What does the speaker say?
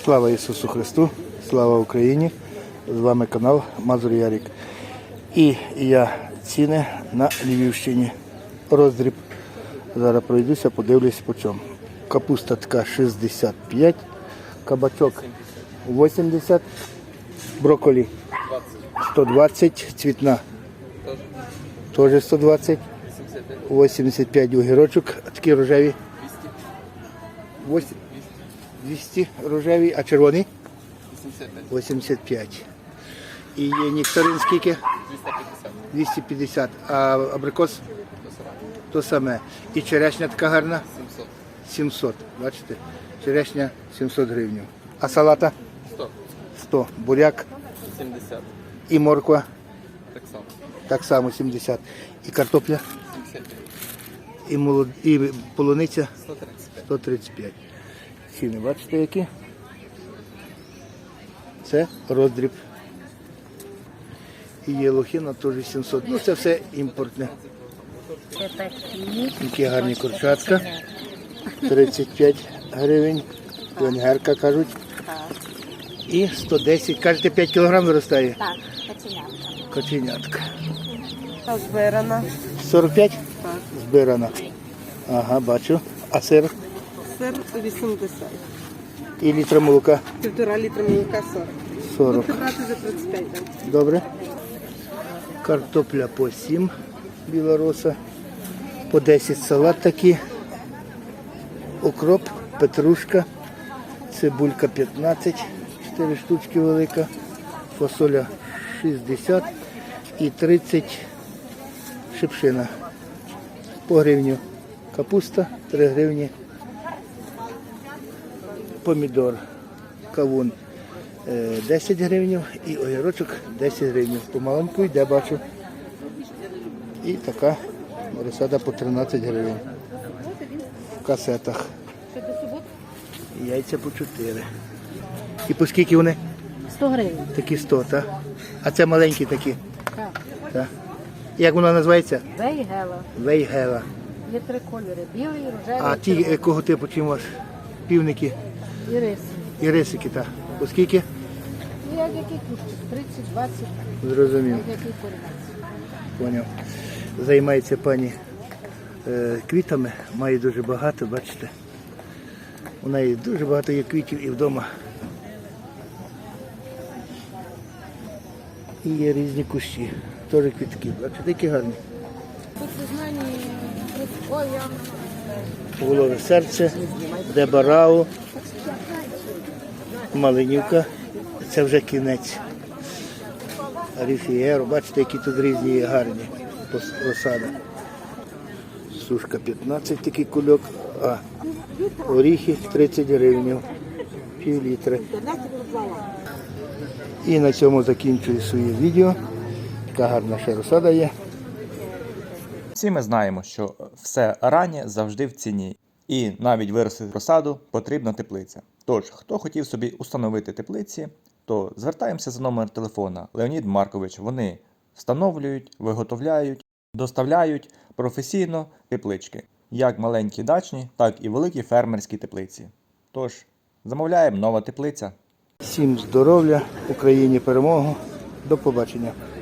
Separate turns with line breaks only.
Слава Ісусу Христу, слава Україні! З вами канал Мазур Ярик. І я ціни на Львівщині. Роздріб. Зараз пройдуся, подивлюсь по чому. Капуста така 65, кабачок 80, брокколі 120, цвітна теж 120, 85 огірочок, такі рожеві 200 рожеві, а червоний 85. І нектарин скільки? 250. А абрикос? То саме. І черешня така гарна? 700. Бачите? Черешня 700 гривень. А салата? 100. Буряк?
70.
І морква?
Так само.
Так само 70. І картопля?
75.
І полуниця?
135.
135. Ціни бачите які? Це роздріб. І є лохина теж 700. Ну це все імпортне. Які гарні курчатка. 35 гривень. Венгерка кажуть. І 110. Кажете, 5 кг виростає?
Так, каченятка.
Каченятка.
Збирана.
45?
Так.
Збирана. Ага, бачу. А сир?
Сир 80.
І літра молока?
1,5 літра молока 40.
40.
Будете брати за 35. Так?
Добре. Картопля по 7 білороса. По 10 салат такий. Укроп, петрушка. Цибулька 15. 4 штучки велика. Фасоля 60. І 30 шипшина. По гривню. Капуста 3 гривні. Помідор. Кавун 10 гривень і огірочок 10 гривень. Помаленьку йде, бачу. І така розсада по 13 гривень. В касетах. І яйця по 4. І по скільки вони?
100 гривень.
Такі 100, так? А це маленькі такі?
Так.
Так. Як вона називається?
Вейгела.
Вейгела.
Є 3 кольори. Білий, рожевий,
А ті
червоний.
якого типу чим у вас? Півники
І риси.
і рисики, так. По скільки?
Ну, як який кущик? 30, 20,
Зрозумів.
як який корінець.
Поняв. Займається пані квітами, має дуже багато, бачите. У неї дуже багато є квітів і вдома. І є різні кущі, теж квітки. Бачите, які гарні.
Тут у знані, ой, я...
Волове серце, Дебарао, Малинівка. Це вже кінець. Ріфієро, бачите, які тут різні є гарні розсади. Сушка 15 такий кульок, а оріхи 30 гривень, пів літри. І на цьому закінчую своє відео. Така гарна ще розсада є.
Всі ми знаємо, що все раннє завжди в ціні. І навіть виростити розсаду потрібна теплиця. Тож, хто хотів собі установити теплиці, то звертаємося за номер телефона Леонід Маркович. Вони встановлюють, виготовляють, доставляють професійно теплички. Як маленькі дачні, так і великі фермерські теплиці. Тож, замовляємо нова теплиця.
Всім здоров'я, Україні перемогу. До побачення.